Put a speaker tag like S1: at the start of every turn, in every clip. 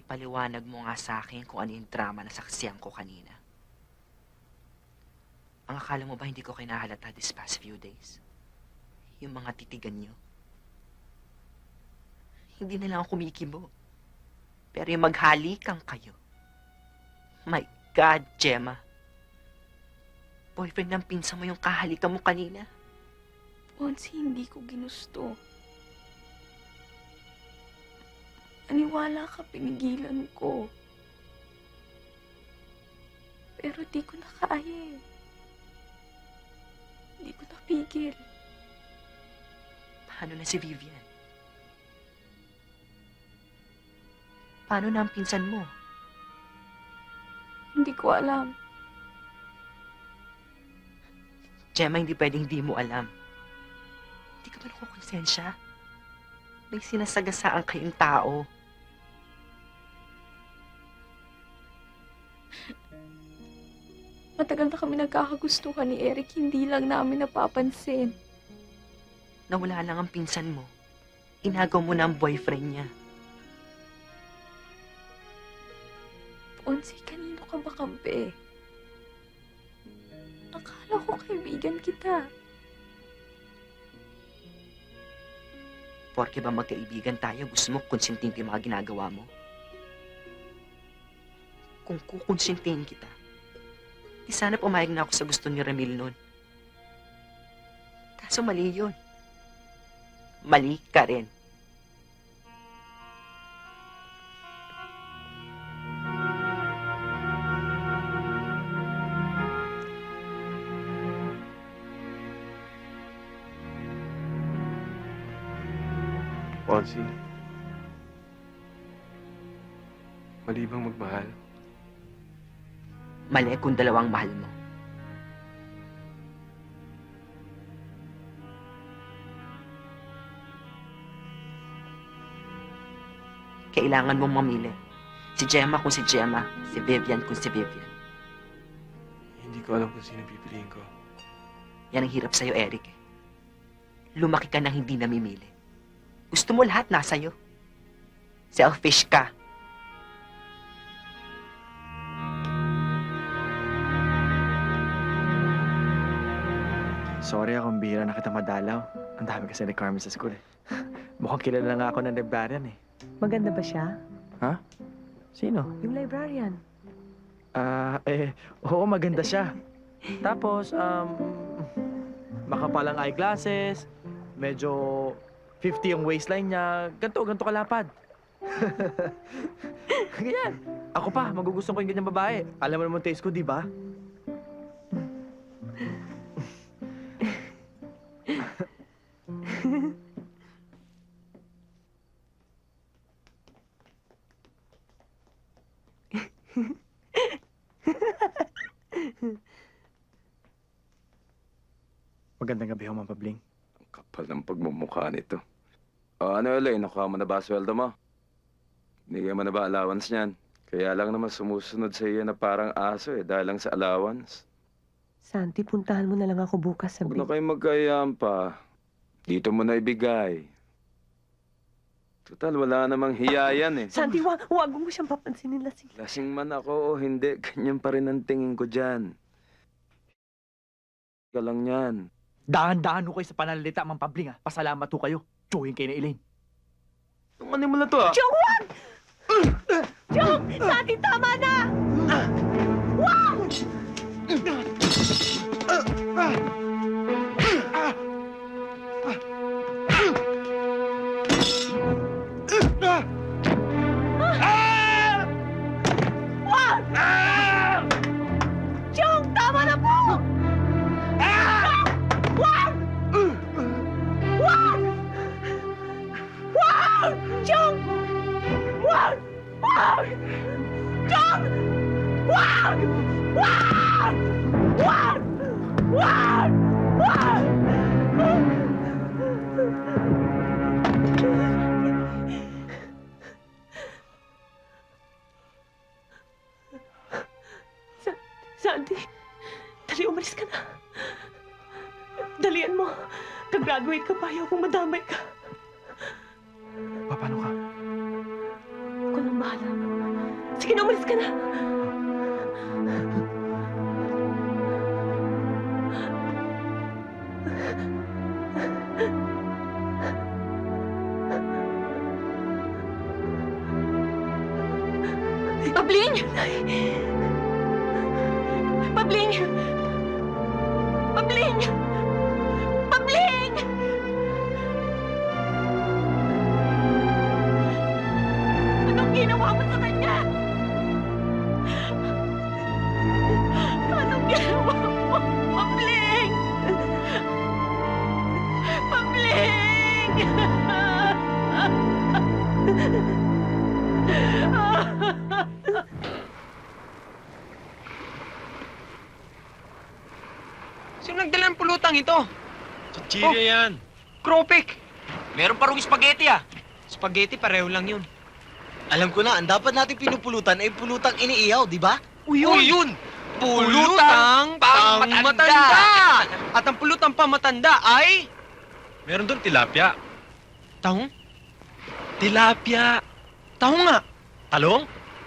S1: ipaliwanag mo nga sa akin kung ano yung drama na saksiyan ko kanina. Ang akala mo ba hindi ko kinahalata this past few days? Yung mga titigan nyo. Hindi na lang ako kumikibo. Pero yung maghalikan kayo. My God, Gemma. Boyfriend ng pinsan mo yung kahalikan mo kanina.
S2: Ponsi, hindi ko ginusto. Aniwala ka, pinigilan ko. Pero di ko na kaya eh. Di ko napigil.
S1: Paano na si Vivian? Paano na ang pinsan mo?
S2: Hindi ko alam.
S1: Gemma, hindi pwedeng hindi mo alam. Hindi ka ba nakukonsensya? May sinasagasaan kayong tao.
S2: Matagal na kami nagkakagustuhan ni Eric, hindi lang namin napapansin.
S1: Nawala lang ang pinsan mo. Inagaw mo na ang boyfriend niya.
S2: Ponsi, kanino ka ba kampi? Akala ko kaibigan kita.
S1: Porke ba magkaibigan tayo, gusto mo konsintin ko yung mga ginagawa mo? Kung kukonsintin kita, di sana pumayag na ako sa gusto ni Ramil noon. Kaso mali yun. Mali ka rin.
S3: Ponsi, mali bang magmahal?
S1: Mali kung dalawang mahal mo. Kailangan mong mamili. Si Gemma kung si Gemma, si Vivian kung si Vivian.
S3: Hindi ko alam kung sino pipiliin ko.
S1: Yan ang hirap sa'yo, Eric. Lumaki ka nang hindi namimili. Gusto mo lahat nasa'yo. Selfish ka.
S4: Sorry akong bihira na kita madalaw. Ang dami kasi ni Carmen sa school eh. Mukhang kilala na nga ako ng librarian eh.
S5: Maganda ba siya?
S4: Ha? Sino?
S5: Yung librarian.
S4: Oo, maganda siya. Tapos, makapalang eyeglasses, medyo 50 yung waistline niya, ganito kalapad. Ganyan. Ako pa, magugustuhan ko yung ganyang babae. Alam mo naman taste ko, di ba? Magandang gabi ho, Ma'am Pabling.
S3: Ang kapal ng pagmumukha nito. Ano, Elaine, nakuha mo na ba sweldo mo? Binigyan mo na ba allowance niyan? Kaya lang naman sumusunod sa iyo na parang aso dahil lang sa allowance.
S5: Santi, puntahan mo na lang ako bukas sa
S3: Huwag na kayong magkayaan pa. Dito mo na ibigay. Total, wala namang hiya yan eh.
S5: Santi, wag mo siyang papansinin, lasing.
S3: Lasing man ako o hindi, ganyan pa rin ang tingin ko dyan. Ka lang yan.
S4: Dahan-dahan ho kayo sa pananalita, Ma'am Pabling ha. Pasalamat ho kayo. Tsuhin kayo na Elaine.
S3: Tumanin mo na to ah.
S5: Chong, wag! Chong! Santi, tama na! Wag! Wag! Chong, tama na po! Wag! Wag! Wag! Chong! Wag! Wag! Chong! Wag! Wag! Wag! Wag! Wag! Santi, dali umalis ka na. Dalian mo. Kag-graduate ka pa, ayaw kong madamay ka.
S4: Paano ka?
S5: Ako nang bahala. ka na.
S2: Pabling!
S5: Pabling! Pabling! Pabling! Anong ginawa mo sa kanya? Anong ginawa mo? Pabling! Pabling!
S6: Sino nagdala ng pulutang ito?
S7: Chichirya yan.
S6: Kropik!
S7: Meron pa rong spaghetti ah.
S6: Spaghetti, pareho lang yun.
S8: Alam ko na, ang dapat natin pinupulutan ay pulutang iniihaw, di ba?
S6: Uy, yun! Pulutang pangmatanda! At ang pulutang pamatanda ay...
S7: Meron doon tilapia.
S6: Tahong?
S7: Tilapia.
S6: Tahong nga!
S7: Talong?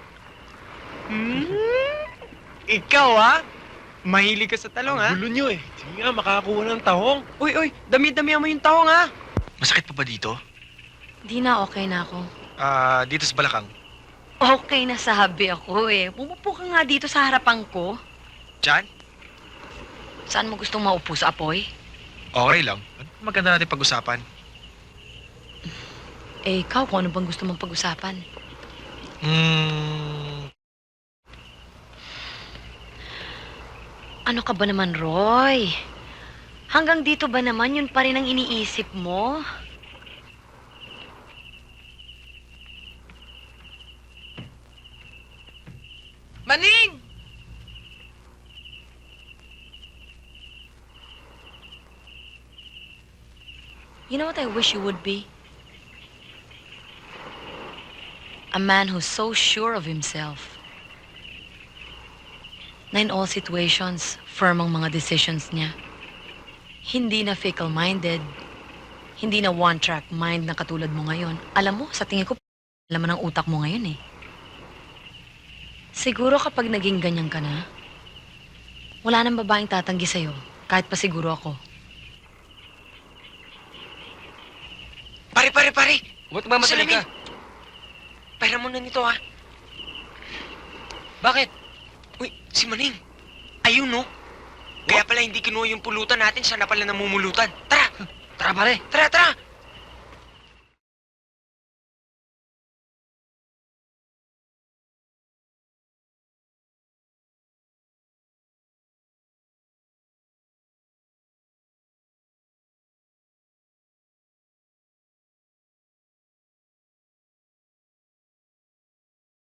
S6: Ikaw, ha? Mahilig ka sa talong, ha?
S7: Gulo nyo eh. Sige nga, makakakuha ng tahong.
S6: Uy, dami-damihan mo yung tahong, ha?
S7: Masakit pa ba dito?
S9: Di na, okay na ako.
S7: Dito sa balakang.
S9: Okay na sabi ako eh. Pumupo ka nga dito sa harapan ko.
S7: Diyan?
S9: Saan mo gustong maupo sa apoy?
S7: Okay lang. Ano maganda natin pag-usapan?
S9: Eh, ikaw, kung ano bang gusto mong pag-usapan? Ano ka ba naman, Roy? Hanggang dito ba naman yun pa rin ang iniisip mo?
S6: Maning!
S9: You know what I wish you would be? A man who's so sure of himself. Na in all situations, firm ang mga decisions niya. Hindi na fickle-minded. Hindi na one-track mind na katulad mo ngayon. Alam mo, sa tingin ko, laman ang utak mo ngayon eh. Siguro kapag naging ganyan ka na, wala nang babaeng tatanggi sa'yo, kahit pa siguro ako.
S6: Pare!
S7: Ba't ba madali ka?
S6: Pera mo na nito, ha? Bakit? Uy, si Maning. Ayun, no? Kaya pala hindi kinuha yung pulutan natin, siya na pala namumulutan. Tara!
S7: Tara pare.
S6: Tara!